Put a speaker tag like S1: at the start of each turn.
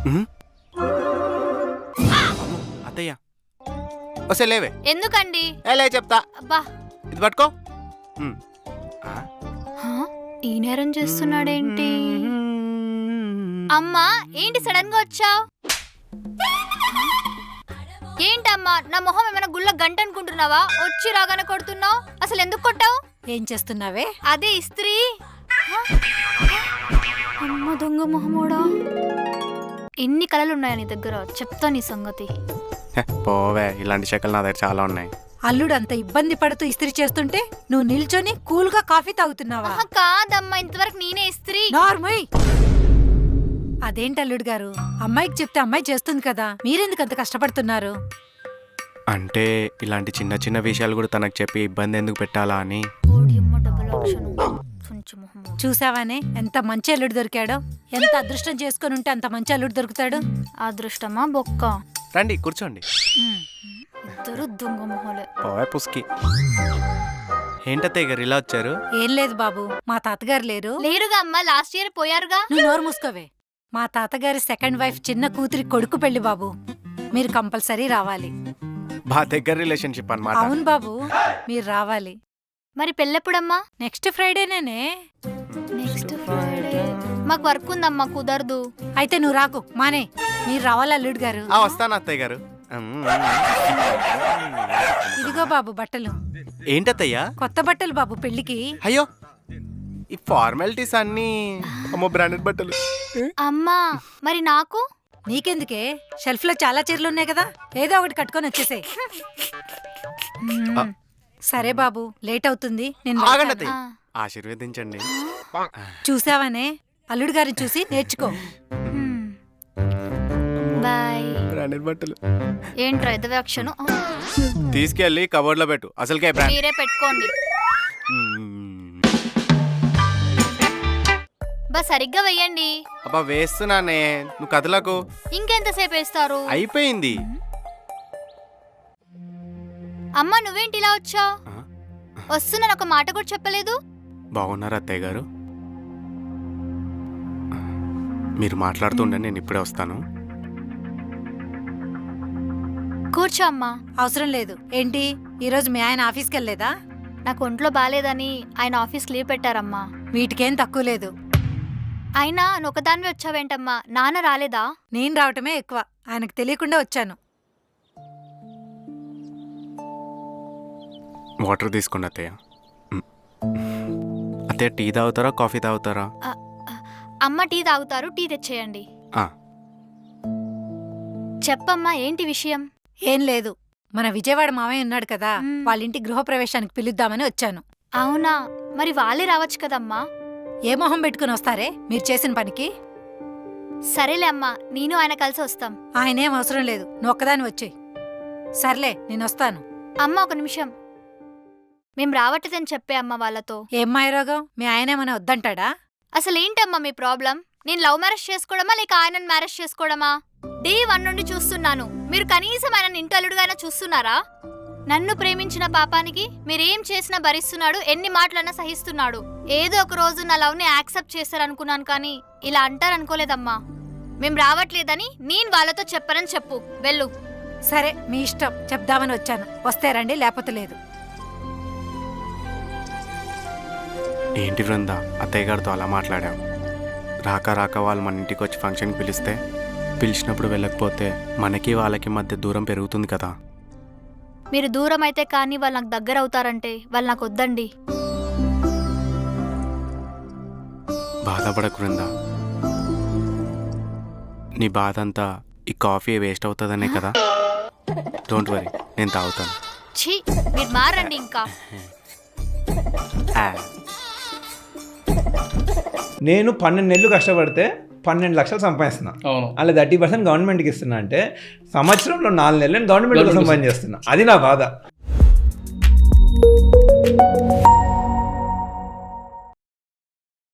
S1: అత్తయ్య వస్తే లేవే.
S2: ఎందుకండి?
S1: లే చెప్తా.
S2: అబ్బా
S1: ఇది పట్టుకో.
S2: ఈ నేరం చేస్తున్నాడేంటి? అమ్మా ఏంటి సడన్ గా వచ్చావు? ఏంటమ్మా నా మొహం ఏమైనా గుళ్ళ గంట అనుకుంటున్నావా? వచ్చి రాగానే కొడుతున్నావు. అసలు ఎందుకు కొట్టావు?
S3: ఏం చేస్తున్నావే?
S2: అదే ఇస్త్రీ. అమ్మ దొంగ మొహమోడా. ఎన్ని కళలున్నాయా నీ దగ్గర? చెప్తా నీ సంగతి.
S1: పోవే, ఇలాంటి శకలు నా దగ్గర చాలా ఉన్నాయి.
S3: అల్లుడు అంత ఇబ్బంది పడుతూ ఇస్త్రీ చేస్తుంటే నువ్వు నిల్చొని కూల్ గా కాఫీ తాగుతున్నావా?
S2: కాదమ్మా, ఇంతవరకు నేనే ఇస్త్రీ.
S3: నార్మల్. అదేంటి అల్లుడు గారు, అమ్మాయికి చెప్తే అమ్మాయి చేస్తుంది కదా, మీరెందుకు అంత కష్టపడుతున్నారు?
S1: అంటే ఇలాంటి చిన్న చిన్న విషయాలు కూడా తనకు చెప్పి ఇబ్బంది ఎందుకు పెట్టాలా అని.
S3: చూసావానే ఎంత మంచి అల్లుడు దొరికాడో. ఎంత అదృష్టం చేసుకుని ఉంటే అంత మంచి అల్లుడు దొరుకుతాడు.
S2: అదృష్టమా బొక్క?
S1: రండి కూర్చోండి.
S2: ఇద్దరు దొంగ మొహలే.
S1: పోవే పుస్కి. ఏంటత్తయ్య గారు ఇలా వచ్చారు?
S3: ఏం లేదు బాబు, మా తాతగారు లేరు.
S2: లేరుగా అమ్మా, లాస్ట్ ఇయర్ పోయారుగా.
S3: నువ్వు నోరు మూసుకోవే. మా తాతగారి సెకండ్ వైఫ్ చిన్న కూతురి కొడుకు పెళ్లి బాబు, మీరు కంపల్సరీ రావాలి.
S1: బా దగ్గర రిలేషన్షిప్ అన్నమాట.
S3: అవును బాబు, మీరు రావాలి.
S2: మరి పెళ్ళెప్పుడమ్మా?
S3: నెక్స్ట్ ఫ్రైడేనే.
S2: నెక్స్ట్ ఫ్రైడే మాకు వర్క్ ఉందమ్మా, కుదరదు.
S3: అయితే నువ్వు రాకు, మానే. మీరు రావాలి అల్లుడు గారు.
S1: వస్తాను అత్తయ్య గారు.
S3: ఇదిగో బాబు బట్టలు.
S1: ఏంటత్తయ్యా?
S3: కొత్త బట్టలు బాబు పెళ్లికి.
S1: అయ్యో, ఈ ఫార్మాలిటీస్ అన్ని అమ్మో బ్రాండెడ్ బట్టలు.
S2: అమ్మా మరి నాకు?
S3: నీకెందుకే, షెల్ఫ్ లో చాలా చీరలు ఉన్నాయి కదా, ఏదో ఒకటి కట్టుకొని వచ్చేసే. సరే బాబు, లేట్ అవుతుంది. నేను
S1: ఆశీర్వదించండి.
S3: చూసావానే, అల్లుడు గారిని చూసి నేర్చుకో.
S2: బాయ్.
S1: బ్రాండెడ్ బట్టలు
S2: ఏంట్రా ఎదవాక్షను?
S1: తీసుకెళ్ళి కబోర్డ్ లో పెట్టు. అసలుకే
S2: మీరే పెట్టుకోండి. బా సరిగ్గా వెయ్యండి.
S1: అబ్బా వేస్తున్నానే, నువ్వు కదలకు.
S2: ఇంకెంతసేపు వేస్తారు?
S1: అయిపోయింది.
S2: అమ్మా నువ్వేంటి ఇలా వచ్చావు? వస్తున్నాను ఒక మాట కూడా చెప్పలేదు.
S1: బాగున్నారు అత్తయ్య గారు? మీరు మాట్లాడుతుండే, నేను ఇప్పుడే వస్తాను.
S2: కూర్చో అమ్మా.
S3: అవసరం లేదు. ఏంటి ఈరోజు మీ ఆయన ఆఫీస్కి వెళ్ళలేదా?
S2: నాకు ఒంట్లో బాలేదని ఆయన ఆఫీస్కి లీవ్ పెట్టారమ్మా.
S3: వీటికేం తక్కువ లేదు.
S2: అయినా నువ్వు ఒకదానివే వచ్చావేంటమ్మా? నాన్న రాలేదా?
S3: నేను రావటమే ఎక్కువ, ఆయనకు తెలియకుండా వచ్చాను.
S1: వాటర్ తీసుకోండి అత్తయ్య. అత్తయ్య టీ తాగుతారా కాఫీ తాగుతారా?
S2: అమ్మ టీ తాగుతారు, టీ తెచ్చేయండి. చెప్పమ్మా ఏంటి విషయం?
S3: ఏం లేదు, మన విజయవాడ మావయ్య ఉన్నాడు కదా, వాళ్ళ ఇంటి గృహప్రవేశానికి పిలుద్దామని వచ్చాను.
S2: అవునా, మరి వాళ్ళే రావచ్చు కదమ్మా.
S3: ఏ మొహం పెట్టుకుని వస్తారే మీరు చేసిన పనికి?
S2: సరేలే అమ్మా, నేను ఆయన కలిసి వస్తాం.
S3: ఆయనేం అవసరం లేదు, నువ్వు ఒక్కదాని వచ్చేయ్. సర్లే నేను వస్తాను.
S2: అమ్మ ఒక నిమిషం, మేం రావట్లేదని చెప్పే అమ్మ వాళ్ళతో.
S3: ఏం మాయరోగం, మీ ఆయనేమన్నా వద్దంటాడా?
S2: అసలేంటమ్మా మీ ప్రాబ్లం? నేను లవ్ మ్యారేజ్ చేసుకోవడమా లేక ఆయనను మ్యారేజ్ చేసుకోవడమా? డే 1 నుండి చూస్తున్నాను. మీరు కనీసం ఆయన ఇంటల్లుడుగా చూస్తున్నారా? నన్ను ప్రేమించిన పాపానికి మీరేం చేసినా భరిస్తున్నాడు, ఎన్ని మాటలన్నా సహిస్తున్నాడు. ఏదో ఒక రోజు నా లవ్ని యాక్సెప్ట్ చేస్తారనుకున్నాను, కానీ ఇలా అంటారనుకోలేదమ్మా. మేం రావట్లేదని నేను వాళ్ళతో చెప్పనని చెప్పు, వెళ్ళు.
S3: సరే మీ ఇష్టం, చెప్దామని వచ్చాను. వస్తే రండి, లేకపోతే లేదు.
S1: ఏంటి బృంద, అత్తయ్య గారితో అలా మాట్లాడాం? రాక వాళ్ళు మన ఇంటికి వచ్చి ఫంక్షన్కి పిలిస్తే, పిలిచినప్పుడు వెళ్ళకపోతే మనకి వాళ్ళకి మధ్య దూరం పెరుగుతుంది కదా.
S2: మీరు దూరం అయితే కానీ వాళ్ళు నాకు దగ్గర అవుతారంటే వాళ్ళు నాకు వద్దండి.
S1: బాధపడకు బృంద, నీ బాధ అంతా ఈ కాఫీ వేస్ట్ అవుతుందనే కదా. డోంట్ వరీ, నేను తాగుతాను.
S2: ఛీ, మీరు మారండి ఇంకా.
S4: నేను 12 నెలలు కష్టపడితే 12 లక్షలు సంపాదిస్తున్నా. అలా 30% గవర్నమెంట్కి ఇస్తున్నా అంటే సంవత్సరంలో 4 నెలలు నేను గవర్నమెంట్ కోసం పని చేస్తున్నా. అది నా బాధ.